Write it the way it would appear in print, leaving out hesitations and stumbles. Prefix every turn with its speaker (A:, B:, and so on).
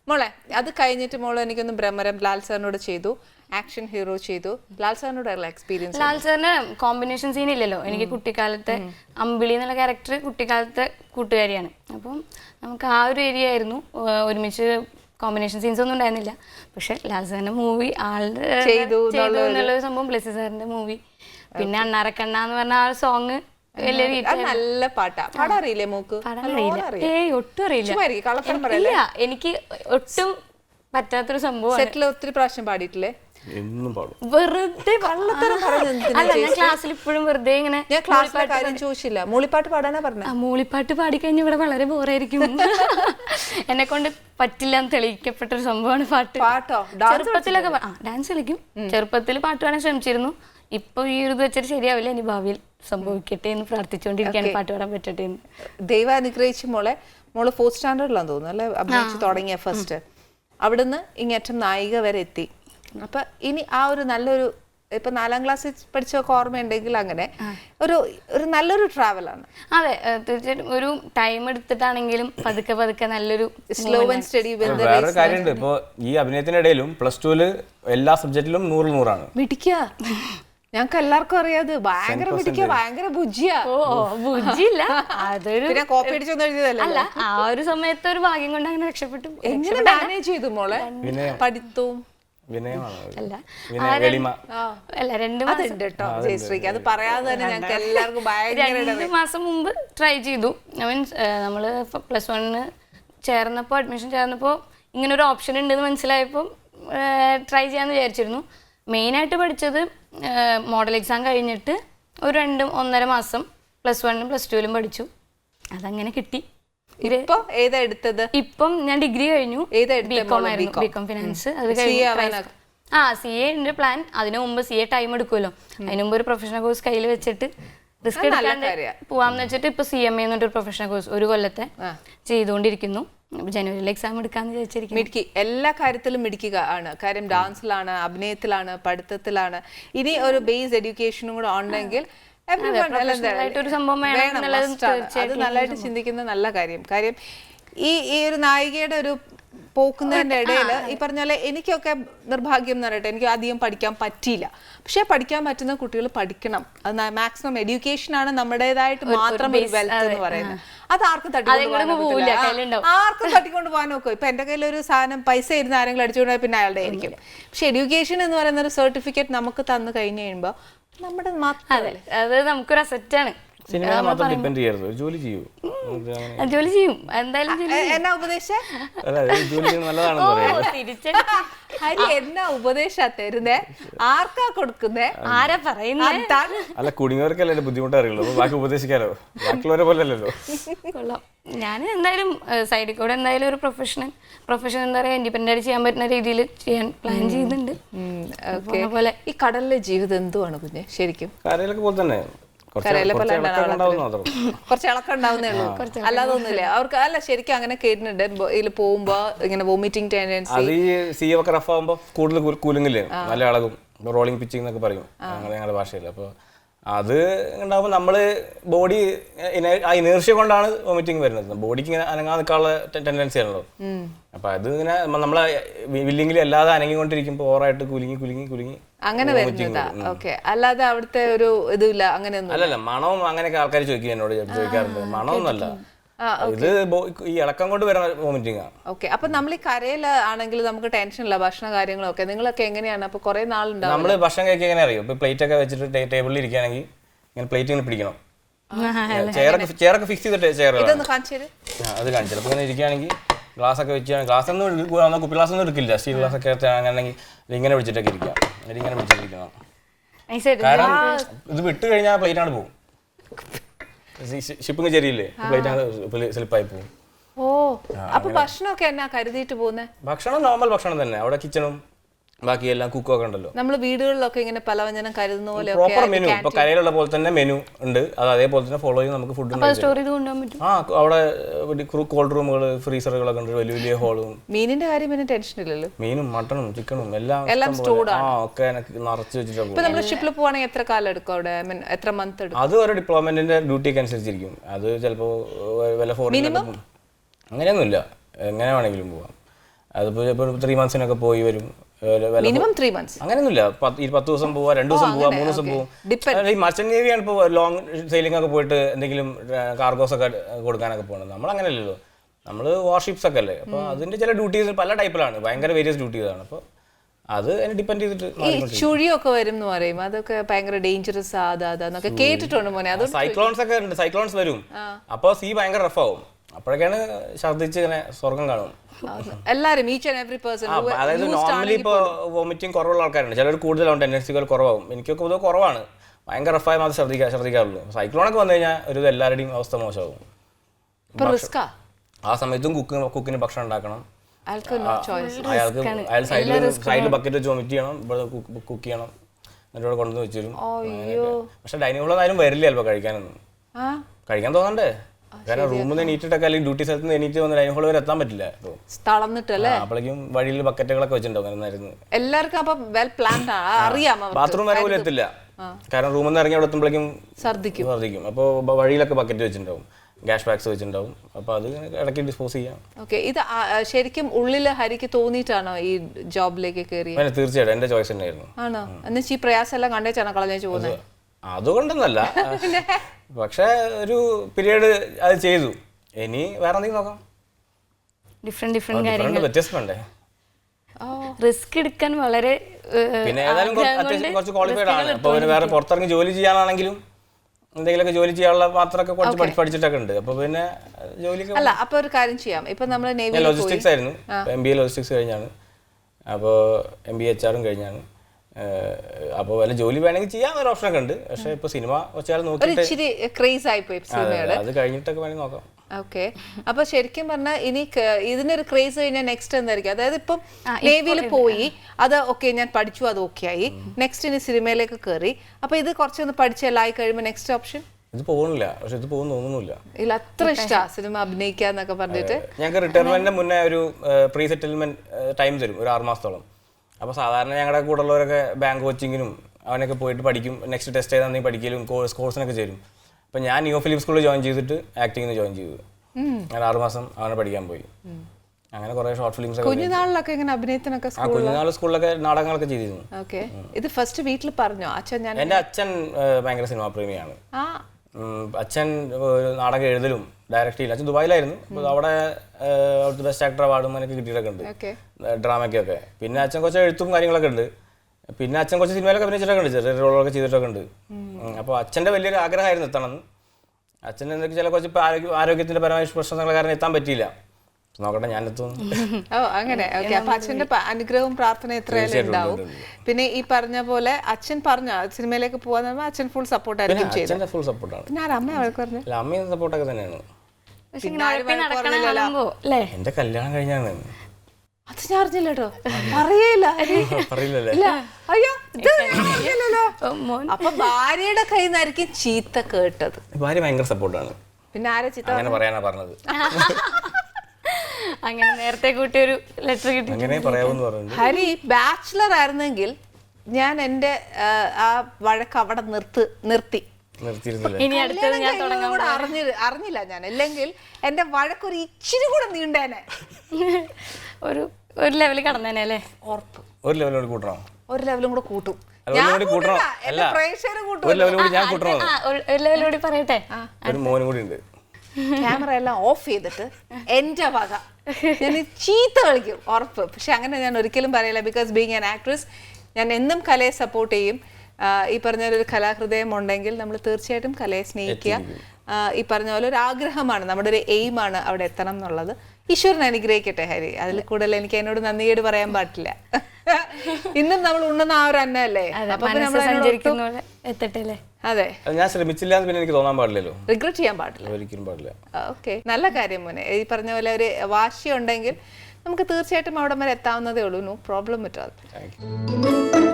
A: മോളെ അത് കഴിഞ്ഞിട്ട് മോളെ എനിക്കൊന്ന് ഭ്രമരം ലാൽ സാറിനോട് ചെയ്തു, ആക്ഷൻ ഹീറോ ചെയ്തു. ലാൽ സാറിനോടുള്ള എക്സ്പീരിയൻസ്?
B: ലാൽ സാറിന് കോമ്പിനേഷൻ സീൻ ഇല്ലല്ലോ. എനിക്ക് കുട്ടിക്കാലത്തെ അമ്പിളി എന്നുള്ള ക്യാരക്ടർ കുട്ടിക്കാലത്തെ കൂട്ടുകാരിയാണ്. അപ്പം നമുക്ക് ആ ഒരു ഏരിയ ആയിരുന്നു. ഒരുമിച്ച് കോമ്പിനേഷൻ സീൻസ് ഒന്നും ഉണ്ടായിരുന്നില്ല. പക്ഷെ ലാൽ സാറിന്റെ മൂവി ആളുടെ ചെയ്തു എന്നുള്ളൊരു സംഭവം, ബ്ലെസ്സി സാറിന്റെ മൂവി, പിന്നെ അണ്ണാറക്കണ്ണ എന്ന് പറഞ്ഞ ആ സോങ്
A: നല്ല പാട്ടാ. പാടാറിയില്ലേ മോക്ക്?
B: ഒട്ടും അറിയില്ല. എനിക്ക് ഒട്ടും പറ്റാത്തൊരു സംഭവം.
A: സെറ്റിൽ ഒത്തിരി പ്രാവശ്യം പാടിയിട്ടില്ലേ?
B: വെറുതെ അല്ല, ഞാൻ ക്ലാസ്സിൽ ഇപ്പോഴും വെറുതെ ഇങ്ങനെ.
A: ഞാൻ ക്ലാസ്സിലെ കാര്യം ചോദിച്ചില്ല, മൂളിപ്പാട്ട് പാടാനാ പറഞ്ഞ.
B: മൂളിപ്പാട്ട് പാടിക്കഴിഞ്ഞാൽ ഇവിടെ വളരെ ബോറായിരിക്കും. എന്നെ കൊണ്ട് പറ്റില്ല എന്ന് തെളിയിക്കപ്പെട്ടൊരു സംഭവമാണ് പാട്ട്.
A: പാട്ടോ?
B: ചെറുപ്പത്തിലൊക്കെ ഡാൻസ് കളിക്കും. ചെറുപ്പത്തിൽ പാട്ട് പാടാൻ ശ്രമിച്ചിരുന്നു. ഇപ്പൊ ഈ ഒരു ഇത് വെച്ചിട്ട് ശരിയാവില്ല, ഇനി ഭാവിയിൽ സംഭവിക്കട്ടെ എന്ന് പ്രാർത്ഥിച്ചുകൊണ്ടിരിക്കുകയാണ്. പാട്ട് പാടാൻ പറ്റട്ടെ എന്ന്.
A: ദൈവം അനുഗ്രഹിച്ച് മോളെ 4th സ്റ്റാൻഡേർഡിലാന്ന് തോന്നുന്നു അല്ലെ അഭിനയിച്ച് തുടങ്ങിയ ഫസ്റ്റ്. അവിടുന്ന് ഇങ്ങേറ്റം നായിക വരെ എത്തി. അപ്പൊ ഇനി ആ ഒരു നല്ലൊരു, ഇപ്പൊ 4ാം ക്ലാസ്സിൽ പഠിച്ചൊക്കെ ഓർമ്മയുണ്ടെങ്കിൽ അങ്ങനെ ഒരു നല്ലൊരു ട്രാവലാണ്.
B: അതെ, തീർച്ചയായിട്ടും. ഒരു ടൈം എടുത്തിട്ടാണെങ്കിലും പതുക്കെ പതുക്കെ നല്ലൊരു
A: സ്ലോ ആൻഡ് സ്റ്റഡി.
C: വേറൊരു കാര്യമുണ്ട്, ഇപ്പൊ ഈ അഭിനയത്തിനിടയിലും +2 എല്ലാ സബ്ജക്റ്റിലും 100
A: മിടിക്കുക. ഞങ്ങൾക്ക് എല്ലാവർക്കും അറിയാത്. ഭയങ്കര മിടിക്കുക, ഭയങ്കര ബുജിയാ.
B: ബുജിയില്ല, അതൊരു
A: കോപ്പി അടിച്ചൊന്നും എഴുതിയതല്ല.
B: അല്ല, ആ ഒരു സമയത്ത് ഒരു ഭാഗ്യം കൊണ്ട് അങ്ങനെ രക്ഷപ്പെട്ടു.
A: എങ്ങനെ മാനേജ് ചെയ്തു മോളെ പഠിത്തവും?
B: അല്ല,
A: 2 മാസം കേട്ടോ ജയശ്രീക്ക്, അത് പറയാതെ തന്നെ ഞങ്ങൾക്ക് എല്ലാവർക്കും ഭയങ്കര.
B: 2 മാസം മുമ്പ് ട്രൈ ചെയ്തു. മീൻസ് നമ്മള് +1 ചേർന്നപ്പോൾ, അഡ്മിഷൻ ചേർന്നപ്പോൾ ഇങ്ങനെ ഒരു ഓപ്ഷൻ ഉണ്ടെന്ന് മനസ്സിലായപ്പോൾ ട്രൈ ചെയ്യാന്ന് വിചാരിച്ചിരുന്നു. മെയിനായിട്ട് പഠിച്ചത് മോഡൽ എക്സാം കഴിഞ്ഞിട്ട് ഒരു 2-1.5 മാസം +1 +2 പഠിച്ചു. അതങ്ങനെ കിട്ടി.
A: ഏതാ എടുത്തത്?
B: ഇപ്പം ഞാൻ ഡിഗ്രി കഴിഞ്ഞു. BCom finance. അത് കഴിഞ്ഞു CA ഉണ്ട് പ്ലാൻ. അതിനു മുമ്പ് CA ടൈം എടുക്കുമല്ലോ. അതിനു മുമ്പ് ഒരു പ്രൊഫഷണൽ കോഴ്സ് കയ്യിൽ വെച്ചിട്ട് റിസ്ക് എടുക്കാണ്ട് പോവാന്ന് വെച്ചിട്ട് ഇപ്പൊ CMA എന്നൊരു പ്രൊഫഷണൽ കോഴ്സ് 1 കൊല്ലത്തെ ചെയ്തുകൊണ്ടിരിക്കുന്നു. ജനുവരിയിൽ എക്സാം എടുക്കാന്ന് വിചാരിച്ചിരിക്കുന്നു.
A: മിടുക്കി, എല്ലാ കാര്യത്തിലും മിടുക്കുക ആണ്. കാര്യം ഡാൻസിലാണ്, അഭിനയത്തിലാണ്, പഠിത്തത്തിലാണ്. ഇനി ഒരു ബേസ് എഡ്യൂക്കേഷനും കൂടെ ഉണ്ടെങ്കിൽ അത് നല്ലതായിട്ട് ചിന്തിക്കുന്ന നല്ല കാര്യം. കാര്യം ഈ ഒരു നായികയുടെ ഒരു പോക്കുന്നതിന്റെ ഇടയിൽ ഈ പറഞ്ഞ പോലെ എനിക്കൊക്കെ നിർഭാഗ്യം എന്ന് പറയട്ടെ, എനിക്ക് അധികം പഠിക്കാൻ പറ്റിയില്ല. പക്ഷെ പഠിക്കാൻ പറ്റുന്ന കുട്ടികൾ പഠിക്കണം. അത് മാക്സിമം എഡ്യൂക്കേഷൻ ആണ് നമ്മുടേതായിട്ട് മാത്രം ഒരു വെൽത്ത് എന്ന് പറയുന്നത്. അത് ആർക്കും തട്ടിക്കൊണ്ട് പോകാൻ നോക്കും. ഇപ്പൊ എന്റെ കയ്യിൽ ഒരു സാധനം പൈസ ഇരുന്ന് ആരെങ്കിലും അടിച്ചുകൊണ്ട് പിന്നെ അയാളുടെ ആയിരിക്കും. പക്ഷെ എഡ്യൂക്കേഷൻ എന്ന് പറയുന്ന ഒരു സർട്ടിഫിക്കറ്റ് നമുക്ക് തന്നു കഴിഞ്ഞു കഴിയുമ്പോ നമ്മുടെ
B: അത് നമുക്കൊരു അസറ്റാണ്.
C: ജോലി ചെയ്യും
B: എന്തായാലും.
A: എന്നാ ഉപദേശം എന്നാ ഉപദേശ തരുന്നേ? ആർക്കാ കൊടുക്കുന്നേ?
B: ആരാ പറയുന്നേ?
C: അല്ല, കുടുങ്ങിയവർക്കല്ലേ ബുദ്ധിമുട്ട് അറിയുള്ളൂ. ബാക്കി ഉപദേശിക്കാലോ, ബാക്കിയുള്ളവരെ പോലെ അല്ലല്ലോ.
B: കൊള്ളാം. ഞാൻ എന്തായാലും സൈഡിൽ കൂടെ എന്തായാലും ഒരു പ്രൊഫഷൻ എന്താ പറയാ, ഇൻഡിപെൻഡന്റ് ആയിട്ട് ചെയ്യാൻ പറ്റുന്ന രീതിയിൽ ചെയ്യാൻ പ്ലാൻ ചെയ്യുന്നുണ്ട്.
A: ഈ കടലിലെ ജീവിതം എന്തുവാണ് കുഞ്ഞെ ശരിക്കും?
C: കരയിലൊക്കെ പോലെ തന്നെ
A: കുറച്ച് ഇളക്കം ഉണ്ടാവുന്നേ ഉള്ളൂ, അല്ലാതെ ഒന്നുമില്ല അവർക്ക്. അല്ല, ശരിക്കും അങ്ങനെ കേട്ടിട്ടുണ്ട്, ഇതിൽ പോകുമ്പോ ഇങ്ങനെ വോമിറ്റിംഗ് ടെൻഡൻസി.
C: അത് ഈ സീ ഒക്കെ റഫ് ആകുമ്പോ കൂടുതൽ കൂലിങ്ങില്ലേ, നല്ല ഇളകും, റോളിംഗ് പിച്ചിങ് എന്നൊക്കെ പറയും ഞങ്ങളുടെ ഭാഷയിൽ. അപ്പൊ അത് ഉണ്ടാകുമ്പോൾ നമ്മള് ബോഡി ഇനേർഷ്യ കൊണ്ടാണ് വോമിറ്റിംഗ് വരുന്നത്. ബോഡിക്ക് ഇങ്ങനെ അനങ്ങാൻ നിൽക്കാനുള്ള ടെൻഡൻസി ആണല്ലോ. അപ്പൊ അത് ഇങ്ങനെ നമ്മളെ വില്ലിങ്ങിൽ അല്ലാതെ അനങ്ങിക്കൊണ്ടിരിക്കുമ്പോൾ ഓവറായിട്ട് കുലുങ്ങി
A: അങ്ങനെ വരുന്നതാ. ഓക്കെ, അല്ലാതെ അവിടുത്തെ ഒരു ഇതില്ല അങ്ങനെയൊന്നും
C: അല്ലല്ല. മണവും അങ്ങനെയൊക്കെ ആൾക്കാർ ചോദിക്കും, എന്നോട് ചോദിക്കാറുണ്ട്. മണമൊന്നുമല്ല, ഇത് ഈ ഇളക്കം കൊണ്ട് വരുന്ന വോമിറ്റിംഗ് ആണ്.
A: ഓക്കെ, അപ്പൊ നമ്മൾ ഈ കരയിൽ ആണെങ്കിൽ നമുക്ക് ടെൻഷൻ ഇല്ല, ഭക്ഷണ കാര്യങ്ങളൊക്കെ നിങ്ങളൊക്കെ എങ്ങനെയാണ്? അപ്പൊ കുറെ നാളുണ്ടാവും.
C: നമ്മള് ഭക്ഷണം കഴിക്കാൻ എങ്ങനെ അറിയും? ഇപ്പൊ പ്ലേറ്റ് ഒക്കെ വെച്ചിട്ട് ടേബിളിൽ ഇരിക്കുകയാണെങ്കിൽ ഇങ്ങനെ പ്ലേറ്റ് ഇങ്ങനെ പിടിക്കണം. ചെയറൊക്കെ ഫിക്സ് ചെയ്തിട്ട് ചെയർ അത് കാണിച്ചത്. അപ്പൊ ഇങ്ങനെ ഇരിക്കുകയാണെങ്കിൽ ഗ്ലാസ് ഒക്കെ വെച്ചാൽ ഗ്ലാസ് ഒന്നും കുപ്പി ഗ്ലാസ് ഒന്നും എടുക്കില്ല, സ്റ്റീൽ ഗ്ലാസ് ഒക്കെ അങ്ങനെയാണെങ്കിൽ ഇങ്ങനെ പിടിച്ചിട്ടൊക്കെ ഇരിക്കാം. ഇങ്ങനെ പിടിച്ചിട്ടിരിക്കണം. കാരണം ഇത് വിട്ട് കഴിഞ്ഞാൽ പ്ലേറ്റ് ആണ് പോകും. ഷിപ്പിംഗ് ശരിയില്ലേ, പ്ലേറ്റ് സ്ലിപ്പായി പോകും.
A: അപ്പൊ ഭക്ഷണമൊക്കെ എന്നാ കരുതിയിട്ട് പോകുന്നത്?
C: ഭക്ഷണം നോർമൽ ഭക്ഷണം തന്നെ. അവിടെ കിച്ചണും ബാക്കി എല്ലാം കുക്കൊക്കെ ഉണ്ടല്ലോ.
A: നമ്മൾ വീടുകളിലൊക്കെ ഇങ്ങനെ പലവ്യഞ്ജനം കരുതുന്ന പോലെ
C: പ്രോപ്പർ മെനു, ഇപ്പൊ കരയിലുള്ള പോലെ തന്നെ മെനു ഉണ്ട്. അത് അതേപോലെ തന്നെ ഫോളോ ചെയ്ത് നമുക്ക് ഫുഡ് അവിടെ കോൾഡ് റൂമുകൾ, ഫ്രീസറുകളൊക്കെ ഉണ്ട്, വലിയ വലിയ ഹോളും.
A: മീനിന്റെ കാര്യം പിന്നെ ടെൻഷൻ ഇല്ലല്ലോ.
C: മീനും മട്ടണും ചിക്കണും എല്ലാം ഒക്കെ നിറച്ച് വെച്ചിട്ടുണ്ട്.
A: ഇപ്പൊ നമ്മൾ ഷിപ്പിൽ പോവാണെങ്കിൽ എത്ര കാലം എടുക്കും അവിടെ? എത്ര മന്ത് എടുക്കും?
C: അത് ഒരു ഡിപ്ലോയ്മെന്റിന്റെ ഡ്യൂട്ടിക്ക് അനുസരിച്ചിരിക്കും. അത് ചിലപ്പോ വല്ല ഫോറിൻ അങ്ങനെയൊന്നുമില്ല, എങ്ങനെ വേണമെങ്കിലും പോവാം. അതിപ്പോൾ ഇപ്പോൾ 3 monthsനൊക്കെ പോയി വരും.
A: Minimum 3 months.
C: അങ്ങനെയൊന്നുമില്ല. 10 ദിവസം പോവാ, 2 ദിവസം പോവാ, 3 ദിവസം പോവും. ഈ മർച്ചന്റ് നേവിയാണ് ഇപ്പോൾ ലോങ് സെയിലിംഗ് ഒക്കെ പോയിട്ട് എന്തെങ്കിലും കാർഗോസ് ഒക്കെ കൊടുക്കാനൊക്കെ പോകുന്നത്. നമ്മൾ അങ്ങനെയല്ലല്ലോ, നമ്മൾ വാർഷിപ്സ് ഒക്കെ അല്ലേ. അപ്പോൾ അതിന്റെ ചില ഡ്യൂട്ടീസ് പല ടൈപ്പിലാണ്, ഭയങ്കര വേരിയസ് ഡ്യൂട്ടീസാണ്. അപ്പോൾ അത് അതിനെ ഡിപ്പെൻഡ് ചെയ്തിട്ട്
A: ഈ ചുഴിയൊക്കെ വരും എന്ന് പറയും, അതൊക്കെ ഭയങ്കര ഡേഞ്ചറസ് അതൊക്കെ കേട്ടിട്ടുണ്ട് മോനെ. അത്
C: സൈക്ലോൺസ് ഒക്കെ ഉണ്ട്, സൈക്ലോൺസ് വരും. അപ്പോൾ സീ ഭയങ്കര റഫ് ആവും. അപ്പോഴൊക്കെയാണ് ഛർദ്ദിച്ച് ഇങ്ങനെ സ്വർഗം കാണും
A: എല്ലാരും, ഈച്ച് ആൻഡ് എവറി പേഴ്സൺ.
C: അതായത് നോർമലി ഇപ്പോൾ വോമിറ്റിംഗ് കുറവുള്ള ആൾക്കാരുണ്ട്, ചിലർ കൂടുതലാവും, ടെൻഡൻസികൾ കുറവാകും. എനിക്കൊക്കെ പൊതുവെ കുറവാണ്, ഭയങ്കര റഫായി മാത്രം ശ്രദ്ധിക്കാറുള്ളൂ. സൈക്ലോണൊക്കെ വന്നു കഴിഞ്ഞാൽ ഒരു എല്ലാവരുടെയും അവസ്ഥ മോശമാകും. ആ സമയത്തും കുക്കിന് ഭക്ഷണം ഉണ്ടാക്കണം, അയാൾ സൈഡിൽ ബക്കറ്റ് വെച്ച് വൊമിറ്റ് ചെയ്യണം, ഇവിടെ കുക്ക് ചെയ്യണം, എന്നിട്ട് ഇവിടെ കൊണ്ടുവന്ന് വെച്ചിരും. പക്ഷെ ഡൈനിങ് ഹോളിൽ ആരും വരില്ല ചിലപ്പോൾ കഴിക്കാനൊന്നും. കഴിക്കാൻ തോന്നണ്ടേ, കാരണം റൂമിൽ നിന്ന് എണീറ്റിട്ടൊക്കെ അല്ലെങ്കിൽ ഡ്യൂട്ടി സ്ഥലത്ത് നിന്ന് എണീറ്റ് വന്ന് ഡൈനിങ് ഹോൾ വരെ എത്താൻ പറ്റില്ല. അപ്പോഴേക്കും വഴിയിൽ ബക്കറ്റുകളൊക്കെ വെച്ചിട്ടുണ്ടാവും.
A: എല്ലാവർക്കും
C: ബാത്റൂം വരെ പോലും എത്തില്ല, കാരണം റൂമിൽ നിന്ന് ഇറങ്ങി അവിടെ എത്തുമ്പോഴേക്കും ഛർദ്ദിക്കും. അപ്പോൾ വഴിയിലൊക്കെ ബക്കറ്റ് വെച്ചിട്ടുണ്ടാവും, ഗ്യാസ് പാക്സ് വെച്ചിട്ടുണ്ടാവും. അപ്പോൾ അത് ഇടയ്ക്ക് ഡിസ്പോസ് ചെയ്യാം.
A: ഇത് ശരിക്കും ഉള്ളില് ഹരിക്ക് തോന്നിയിട്ടാണോ ഈ ജോബിലേക്ക് കയറി?
C: തീർച്ചയായിട്ടും എന്റെ ചോയ്സ് തന്നെയായിരുന്നു.
A: ആണോ? എന്നുവെച്ചാൽ ഈ പ്രയാസം എല്ലാം കണ്ടേച്ചാണോ കളഞ്ഞു പോകുന്നത്?
C: അതുകൊണ്ടൊന്നല്ല, പക്ഷെ ഒരു പീരീഡ് അത് ചെയ്തു. ഇനി വേറെ എന്തെങ്കിലും നോക്കാം,
B: ഡിഫറെന്റ് കാര്യങ്ങൾ,
C: വ്യത്യസ്തം വേണ്ടേ.
B: റിസ്ക് എടുക്കാൻ വളരെ,
C: പിന്നെ ഏതായാലും അത്യാവശ്യം കുറച്ച് ക്വാളിഫൈഡ് ആണ്. അപ്പോൾ വേറെ പുറത്തിറങ്ങി ജോലി ചെയ്യാനാണെങ്കിലും എന്തെങ്കിലുമൊക്കെ ജോലി ചെയ്യാനുള്ള മാത്രമൊക്കെ കുറച്ച് പഠിച്ചിട്ടൊക്കെ ഉണ്ട്. അപ്പോൾ പിന്നെ ജോലിക്ക്
A: അല്ല, അപ്പോൾ ഒരു കാര്യം ചെയ്യാം. ഇപ്പം നമ്മൾ
C: ലോജിസ്റ്റിക്സ് ആയിരുന്നു, MBA ലോജിസ്റ്റിക്സ് കഴിഞ്ഞാണ്. അപ്പോൾ MBA HR കഴിഞ്ഞാണ്. അപ്പോൾ വല്ല ജോലി വേണമെങ്കിൽ ചെയ്യാൻ ഒരു ഓപ്ഷനൊക്കെ ഉണ്ട്. പക്ഷെ ഇപ്പൊ സിനിമ വെച്ചാൽ നോക്കിയിട്ട് അത് കഴിഞ്ഞിട്ടൊക്കെ വേണമെങ്കിൽ നോക്കാം.
A: ഓക്കെ, അപ്പൊ ശരിക്കും പറഞ്ഞാൽ ഇനി ഇതിനൊരു ക്രേസ് കഴിഞ്ഞാൽ നെക്സ്റ്റ് എന്തായിരിക്കും? അതായത് ഇപ്പം നേവിയിൽ പോയി, അത് ഓക്കെ ഞാൻ പഠിച്ചു, അത് ഓക്കെ ആയി, നെക്സ്റ്റ് ഇനി സിനിമയിലേക്ക് കയറി. അപ്പൊ ഇത് കുറച്ചൊന്ന് പഠിച്ചെല്ലായി കഴിയുമ്പോൾ നെക്സ്റ്റ് ഓപ്ഷൻ
C: ഇത് പോകുന്നില്ല. പക്ഷെ ഇത് പോകുന്നു തോന്നുന്നില്ല,
A: ഇല്ല അത്ര ഇഷ്ടമാണ് സിനിമ അഭിനയിക്കാന്നൊക്കെ പറഞ്ഞിട്ട്.
C: ഞങ്ങൾക്ക് റിട്ടയർമെന്റിന് മുന്നേ ഒരു പ്രീ സെറ്റിൽമെന്റ് ടൈം തരും, ഒരു 6 മാസത്തോളം. അപ്പോൾ സാധാരണ ഞങ്ങളുടെ കൂടെ ഉള്ളവരൊക്കെ ബാങ്ക് കോച്ചിങ്ങിനും അവനൊക്കെ പോയിട്ട് പഠിക്കും, നെക്സ്റ്റ് ടെസ്റ്റ് ചെയ്താൽ പഠിക്കലും കോഴ്സിനൊക്കെ ചേരും. അപ്പോൾ ഞാൻ ന്യൂ ഫിലിം സ്കൂളിൽ ജോയിൻ ചെയ്തിട്ട് ആക്ടിങ്ങിന് ജോയിൻ ചെയ്തു. ഞാൻ 6 മാസം അവനെ പഠിക്കാൻ പോയി. അങ്ങനെ കുറേ ഷോർട്ട് ഫിലിംസ്
A: കുഞ്ഞുനാളിലൊക്കെ ഇങ്ങനെ അഭിനയത്തിനൊക്കെ
C: കുഞ്ഞുനാൾ സ്കൂളിലൊക്കെ നാടകങ്ങളൊക്കെ ചെയ്തിരുന്നു.
A: ഓക്കെ, ഇത് ഫസ്റ്റ് വീട്ടിൽ പറഞ്ഞോ അച്ഛൻ?
C: എൻ്റെ അച്ഛൻ ഭയങ്കര സിനിമാ പ്രേമിയാണ്. അച്ഛൻ നാടകം എഴുതലും ഡയറക്റ്റ് ചെയ്യില്ല. അച്ഛൻ ദുബായിലായിരുന്നു. അപ്പോൾ അവിടെ അവിടുത്തെ ബെസ്റ്റ് ആക്ടർ അവാർഡും അതിനൊക്കെ കിട്ടിയിട്ടൊക്കെ ഉണ്ട്, ഡ്രാമയ്ക്കൊക്കെ. പിന്നെ അച്ഛൻ കുറച്ച് എഴുത്തും കാര്യങ്ങളൊക്കെ ഉണ്ട്. പിന്നെ അച്ഛൻ കുറച്ച് സിനിമയിലൊക്കെ അഭിനയിച്ചിട്ടൊക്കെ ഉണ്ട്, ചെറിയ റോളൊക്കെ ചെയ്തിട്ടൊക്കെ ഉണ്ട്. അപ്പോൾ അച്ഛൻ്റെ വലിയൊരു ആഗ്രഹമായിരുന്നു എത്തണം. അച്ഛൻ എന്തൊക്കെ ചില കുറച്ച് ആരോഗ്യത്തിൻ്റെ പരമായ പ്രശ്നങ്ങൾ കാരണം എത്താൻ പറ്റിയില്ല. നോക്കട്ടെ, ഞാൻ എത്തുന്നു.
A: അങ്ങനെ ഓക്കെ. അപ്പൊ അച്ഛന്റെ അനുഗ്രഹവും പ്രാർത്ഥന എത്രയായാലും ഉണ്ടാവും. പിന്നെ ഈ പറഞ്ഞ പോലെ അച്ഛൻ പറഞ്ഞ സിനിമയിലേക്ക് പോകാൻ അച്ഛൻ ഫുൾ സപ്പോർട്ട് ആയിരിക്കും ചെയ്തത്.
C: ഫുൾ സപ്പോർട്ടാണ്.
A: പിന്നെ അമ്മ പറഞ്ഞു?
C: അമ്മയും സപ്പോർട്ടൊക്കെ തന്നെയാണ്. എന്റെ കല്യാണം കഴിഞ്ഞാണ്.
A: അത് ഞാൻ അറിഞ്ഞില്ല കേട്ടോ, പറയില്ല. അപ്പൊ ഭാര്യയുടെ കയ്യിൽ നിന്നായിരിക്കും ചീത്ത കേട്ടത്.
C: ഭാര്യ ഭയങ്കര സപ്പോർട്ടാണ്.
A: പിന്നെ ആരാ ചീത്ത?
C: അങ്ങനെ പറയാനാ പറഞ്ഞത്.
B: അങ്ങനെ നേരത്തെ കൂട്ടി ഒരു ലെറ്റർ കിട്ടി.
C: അങ്ങനെ പറയാമെന്ന് പറഞ്ഞു.
A: ഹരി ബാച്ചിലർ ആയിരുന്നെങ്കിൽ ഞാൻ എന്റെ ആ വഴക്ക് അവിടെ നിർത്തി
B: ഇനി അടുത്തത് ഞാൻ
A: അറിഞ്ഞില്ല ഞാൻ, അല്ലെങ്കിൽ എന്റെ വഴക്കൊരു ഇച്ചിരി കൂടെ നീണ്ടേനെ,
B: ഒരു ലെവലിൽ കടന്നേനെ അല്ലേ?
A: ഉറപ്പ്.
C: ഒരു ലെവലോട് കൂട്ടണം,
A: ഒരു ലെവലും കൂടെ കൂട്ടും.
C: ഒരു
B: ലെവലോട് പറയട്ടെ,
C: ഒരു മോനും കൂടി ഉണ്ട്.
A: ക്യാമറ എല്ലാം ഓഫ് ചെയ്തിട്ട് എന്റെ വക ഞാൻ ചീത്ത കളിക്കും, ഉറപ്പ്. പക്ഷെ അങ്ങനെ ഞാൻ ഒരിക്കലും പറയില്ല. ബിക്കോസ് ബീങ് ആൻ ആക്ട്രസ്, ഞാൻ എന്നും കലയെ സപ്പോർട്ട് ചെയ്യും. ഈ പറഞ്ഞ ഒരു കലാഹൃദയം ഉണ്ടെങ്കിൽ നമ്മൾ തീർച്ചയായിട്ടും കലയെ സ്നേഹിക്കുക. ഈ പറഞ്ഞ പോലെ ഒരു ആഗ്രഹമാണ്, നമ്മുടെ ഒരു എയിമാണ് അവിടെ എത്തണം എന്നുള്ളത്. ഈശ്വരൻ അനുഗ്രഹിക്കട്ടെ ഹരി. അതിൽ കൂടുതൽ എനിക്ക് എന്നോട് നന്ദിയോട് പറയാൻ പാടില്ല. ഇന്നും നമ്മൾ ഉണ്ണുന്ന ആ ഒരു അന്നല്ലേ, അതെ.
C: ഞാൻ ശ്രമിച്ചില്ല പിന്നെ എനിക്ക് തോന്നാൻ പാടില്ലല്ലോ,
A: റിഗ്രറ്റ് ചെയ്യാൻ പാടില്ല,
C: ഒരിക്കലും പാടില്ല.
A: ഓക്കെ, നല്ല കാര്യം മോനെ. ഈ പറഞ്ഞ പോലെ ഒരു വാശി ഉണ്ടെങ്കിൽ നമുക്ക് തീർച്ചയായിട്ടും അവിടെ വരെ എത്താവുന്നതേ ഉള്ളൂ. No problem at all.